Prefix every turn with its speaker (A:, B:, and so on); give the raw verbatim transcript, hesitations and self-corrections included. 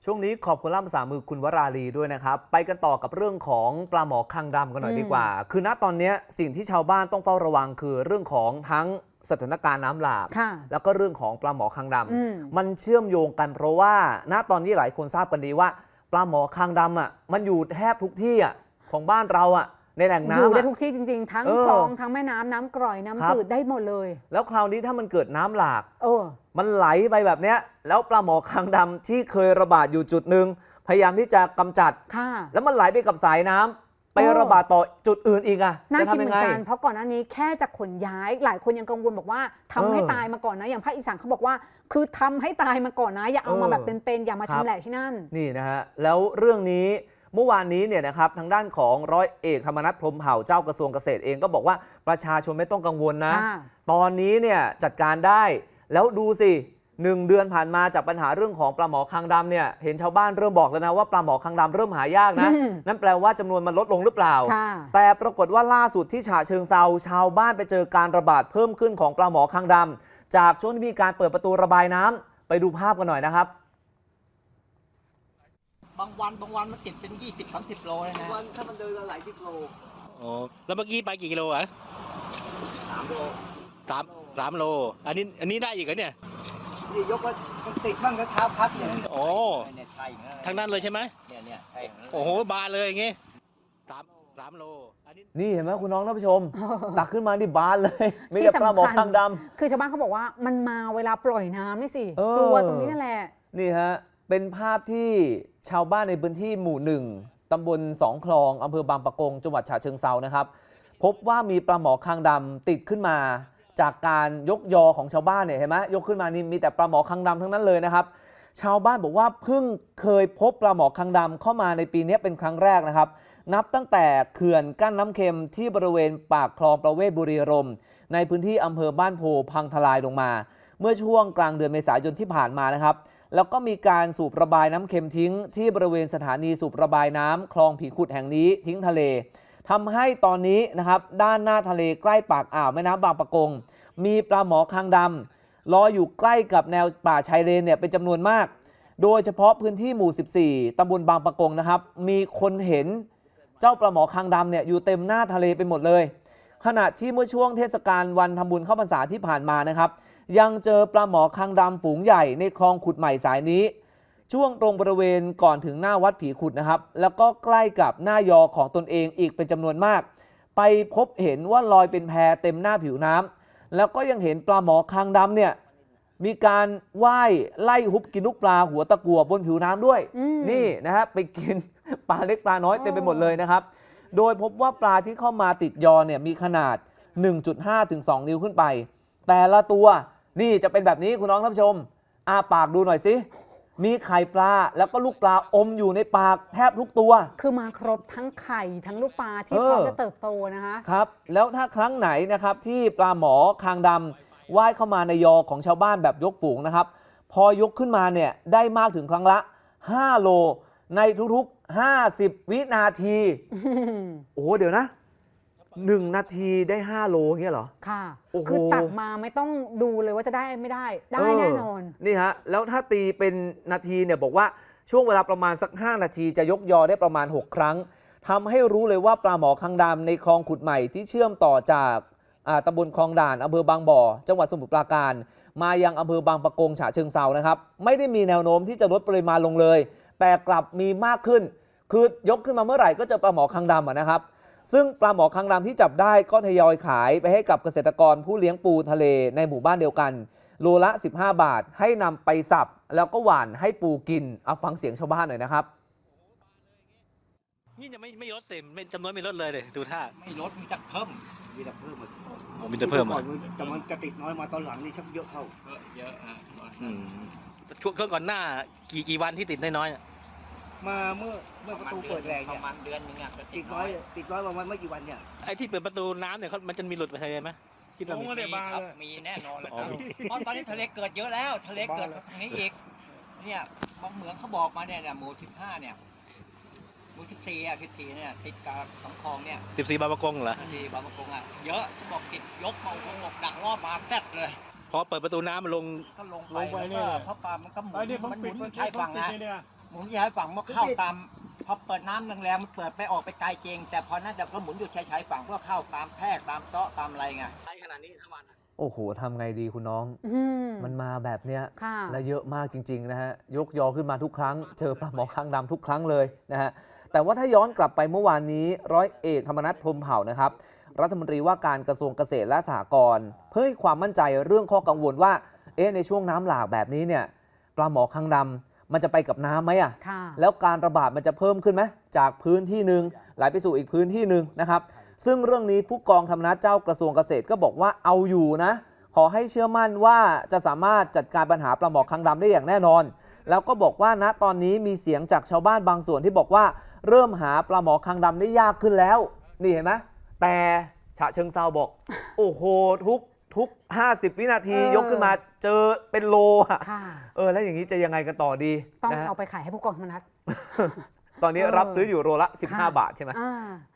A: ช่วงนี้ขอบคุณล่ามภาษามือคุณวราลีด้วยนะครับไปกันต่อกับเรื่องของปลาหมอคางดำกันหน่อยดีกว่าคือณตอนนี้สิ่งที่ชาวบ้านต้องเฝ้าระวังคือเรื่องของทั้งสถานการณ์น้ำหลากแล้วก็เรื่องของปลาหมอคางดำมันเชื่อมโยงกันเพราะว่าณตอนนี้หลายคนทราบกันดีว่าปลาหมอคางดำอ่ะมันอยู่แทบทุกที่อ่ะของบ้านเราอ่ะในแหล่งน้ำ
B: อยู่ได้ทุกที่จริงๆทั้งคลองทั้งแม่น้ำน้ำกร่อยน้ำจืดได้หมดเลย
A: แล้วคราวนี้ถ้ามันเกิดน้ำหลาก
B: เออ
A: มันไหลไปแบบเนี้ยแล้วปลาหมอคางดำที่เคยระบาดอยู่จุดหนึ่งพยายามที่จะกำจัดแล้วมันไหลไปกับสายน้ำไประบาดต่อจุดอื่นอีกอะ
B: น่าคิดเหมือนกันเพราะก่อนหน้านี้แค่จะขนย้ายหลายคนยังกังวลบอกว่าทำให้ตายมาก่อนนะอย่างภาคอีสานเขาบอกว่าคือทำให้ตายมาก่อนนะอย่าเอามาแบบเป็นๆอย่ามาชำแหละที่นั่น
A: นี่นะฮะแล้วเรื่องนี้เมื่อวานนี้เนี่ยนะครับทางด้านของร้อยเอกธรรมนัสพรหมเผ่าเจ้ากระทรวงเกษตรเองก็บอกว่าประชาชนไม่ต้องกังวลนะตอนนี้เนี่ยจัดการได้แล้วดูสิหนึ่งเดือนผ่านมาจากปัญหาเรื่องของปลาหมอคางดำเนี่ยเห็นชาวบ้านเริ่มบอกแล้วนะว่าปลาหมอคางดำเริ่มหายากนะนั่นแปลว่าจำนวนมันลดลงหรือเปล่าแต่ปรากฏว่าล่าสุดที่ฉะเชิงเซาชาวบ้านไปเจอการระบาดเพิ่มขึ้นของปลาหมอคางดำจากช่วงที่มีการเปิดประตูระบายน้ำไปดูภาพกันหน่อยนะครับ
C: บางวันบางวันมันติดเป็นยี่สิบสามสิบโลเลยนะ
D: วันถ้ามันเดินหลายสิบโล
E: อ๋อแล้วเมื่อกี้ไปกี่กิโลอ่ะ
D: สามโล
E: สามสามโลอันนี้อันนี้ได้อีกเหรอเนี่ย
D: นี่ยกว่ามันติดบ้างก็เช้าพักเนี่ย
E: โอ้ทางนั้นเลยใช่ไหม
C: เนี่ยเนี่ยใช่
E: โอ้โหบานเลยอย่างงี้สามสามโล
A: อันนี้นี่เห็นไหมคุณน้องท่านผู้ชมตักขึ้นมาที่บานเลยไม่ได้ปลาหมอคางด
B: ำคือชาวบ้านเขาบอกว่ามันมาเวลาปล่อยน้ำนี่สิกลัวตรงนี้นั่นแหละ
A: นี่ฮะเป็นภาพที่ชาวบ้านในพื้นที่หมู่หนึ่งตำบลสองคลองอำเภอบางปะกงจังหวัดฉะเชิงเซานะครับพบว่ามีปลาหมอคางดำติดขึ้นมาจากการยกยอของชาวบ้านเนี่ยเห็นไหมยกขึ้นมานี่มีแต่ปลาหมอคางดำทั้งนั้นเลยนะครับชาวบ้านบอกว่าเพิ่งเคยพบปลาหมอคางดำเข้ามาในปีนี้เป็นครั้งแรกนะครับนับตั้งแต่เขื่อนกั้นน้ำเค็มที่บริเวณปากคลองประเวศบุรีรัมย์ในพื้นที่อำเภอบ้านโพพังทลายลงมาเมื่อช่วงกลางเดือนเมษายนที่ผ่านมานะครับแล้วก็มีการสูบระบายน้ำเค็มทิ้งที่บริเวณสถานีสูบระบายน้ำคลองผีขุดแห่งนี้ทิ้งทะเลทำให้ตอนนี้นะครับด้านหน้าทะเลใกล้ปากอ่าวแม่น้ำบางปะกงมีปลาหมอคางดำลอยอยู่ใกล้กับแนวป่าชายเลนเนี่ยเป็นจำนวนมากโดยเฉพาะพื้นที่หมู่สิบสี่ตำบลบางปะกงนะครับมีคนเห็นเจ้าปลาหมอคางดำเนี่ยอยู่เต็มหน้าทะเลไปหมดเลยขณะที่เมื่อช่วงเทศกาลวันทำบุญเข้าพรรษาที่ผ่านมานะครับยังเจอปลาหมอคางดำฝูงใหญ่ในคลองขุดใหม่สายนี้ช่วงตรงบริเวณก่อนถึงหน้าวัดผีขุดนะครับแล้วก็ใกล้กับหน้ายอของตนเองอีกเป็นจำนวนมากไปพบเห็นว่าลอยเป็นแพเต็มหน้าผิวน้ำแล้วก็ยังเห็นปลาหมอคางดำเนี่ยมีการว่ายไล่ฮุบกินลูกปลาหัวตะกั่วบนผิวน้ำด้วยนี่นะฮะไปกินปลาเล็กปลาน้อยเต็มไปหมดเลยนะครับโดยพบว่าปลาที่เข้ามาติดยอเนี่ยมีขนาด หนึ่งจุดห้า ถึง สอง นิ้วขึ้นไปแต่ละตัวนี่จะเป็นแบบนี้คุณน้องท่านผู้ชมอาปากดูหน่อยสิมีไข่ปลาแล้วก็ลูกปลาอมอยู่ในปากแทบทุกตัว
B: คือมาครบทั้งไข่ทั้งลูกปลาที่พร้อมจะเติบโตนะคะ
A: ครับแล้วถ้าครั้งไหนนะครับที่ปลาหมอคางดำว่ายเข้ามาในยอของชาวบ้านแบบยกฝูงนะครับพอยกขึ้นมาเนี่ยได้มากถึงครั้งละห้าโลในทุกๆห้าสิบวินาทีโอ้โหเดี๋ยวนะหนึ่งนาทีได้ห้าโลเงี้ยเหรอ
B: ค่ะคือตักมาไม่ต้องดูเลยว่าจะได้ไม่ได้ได้แน่นอน
A: นี่ฮะแล้วถ้าตีเป็นนาทีเนี่ยบอกว่าช่วงเวลาประมาณสักห้านาทีจะยกยอได้ประมาณหกครั้งทำให้รู้เลยว่าปลาหมอคางดำในคลองขุดใหม่ที่เชื่อมต่อจากตำบลคลองด่านอำเภอบางบ่อจังหวัดสมุทรปราการมายังอำเภอบางปะกงฉะเชิงเซานะครับไม่ได้มีแนวโน้มที่จะลดปริมาณลงเลยแต่กลับมีมากขึ้นคือยกขึ้นมาเมื่อไหร่ก็เจอปลาหมอคางดำนะครับซึ่งปลาหมอคางดำที่จับได้ก็ทยอยขายไปให้กับเกษตรกรผู้เลี้ยงปูทะเลในหมู่บ้านเดียวกันโลละสิบห้าบาทให้นำไปสับแล้วก็หว่านให้ปูกินเอาฟังเสียงชาวบ้านหน่อยนะครับ
E: นี่ยังไม่ไม่ลดเต็มจำนวนไม่ลดเลยเลยดูท่า
C: ไม่ลดมีแต่เพิ่ม
D: มีแต่เพิ่ม
E: อ๋อมีแต่เพิ่ม
D: ก่อนแต่มันจะติดน้อยมาตอนหลังนี่ชักเยอะเข้า
C: เยอะอ่ะ
E: ช่วงก่อนหน้ากี่กี่วันที่ติดน้อย
D: มาเมื่อเมื่อประตูเปิดแรง
C: เนี่ยประมาณเดือนนึงอ่ะ
D: ติดน้อยติดน้อยประมาณไม่กี่วันเนี่ย
E: ไอ้ที่เปิดประตูน้ำเนี่ยมันจะมีหลุดไปทะเลไหม
C: คิดว่ามีครับมีแน่นอนเลยครับเพราะตอนนี้ทะเลเกิดเยอะแล้วทะเลเกิดตรงนี้อีกเนี่ยบางเหมืองเขาบอกมาเนี่ยหมู่สิบห้าเนี่ยหมู่สิบสี่อ่ะสิบสี่เนี่ยติดกับสองคลองเนี่ย
E: สิบสี่บางปะกงเหรอ
C: สิบสี่บางปะกงอ่ะเยอะบอกติดยกมาหกดักรอบมาแซ่ดเลย
E: พอเปิดประตูน้ำมันลง
C: ก็ลงไปแล้วก็เพราะปลามันก็หมุนมันหมุนใช้ฝั่งนะผมจะให้ฝั่งว่าเข้าตามพอเปิดน้ำแรงๆมันเปิดไปออกไปไกลจริงแต่พอนั้นแต่ก็หมุนอยู่ชายๆฝั่งเพื่อเข้าตามแพรกตามเซาะตามอะไรไงใช้ขนาดนี้ทั้งวัน
A: โอ้โหทำไงดีคุณน้อง
B: อืม
A: มันมาแบบเนี้ย
B: ค่ะ
A: และเยอะมากจริงๆนะฮะยกยอขึ้นมาทุกครั้งเจอปลาหมอคางดำทุกครั้งเลยนะฮะแต่ว่าถ้าย้อนกลับไปเมื่อวานนี้ร้อยเอกธรรมนัฐพรหมเผ่านะครับรัฐมนตรีว่าการกระทรวงเกษตรและสหกรณ์เพื่อให้ความมั่นใจเรื่องข้อกังวลว่าเอ๊ะในช่วงน้ำหลากแบบนี้เนี่ยปลาหมอคางดำมันจะไปกับน้ำไหมอ่ะ
B: ค่ะ
A: แล้วการระบาดมันจะเพิ่มขึ้นไหมจากพื้นที่หนึ่งไหลไปสู่อีกพื้นที่หนึ่งนะครับซึ่งเรื่องนี้ผู้กองธรรมนัฐเจ้ากระทรวงเกษตรก็บอกว่าเอาอยู่นะขอให้เชื่อมั่นว่าจะสามารถจัดการปัญหาปลาหมอคางดำได้อย่างแน่นอนแล้วก็บอกว่าณตอนนี้มีเสียงจากชาวบ้านบางส่วนที่บอกว่าเริ่มหาปลาหมอคางดำได้ยากขึ้นแล้วนี่เห็นไหมแต่ฉะเชิงเซาบอก โอ้โหทุกทุกห้าสิบวินาที
B: เออ
A: ยกขึ้นมาเจอเป็นโลอะ
B: ค่ะ
A: เออแล้วอย่างนี้จะยังไงกันต่อดี
B: ต้อง
A: นะฮะ
B: เอาไปขายให้ผู้กองธรรมนัฐ
A: ตอนนี้
B: เออ
A: รับซื้ออยู่โลละสิบห้า
B: ค่ะ
A: บาทใช่ไหม
B: อ่า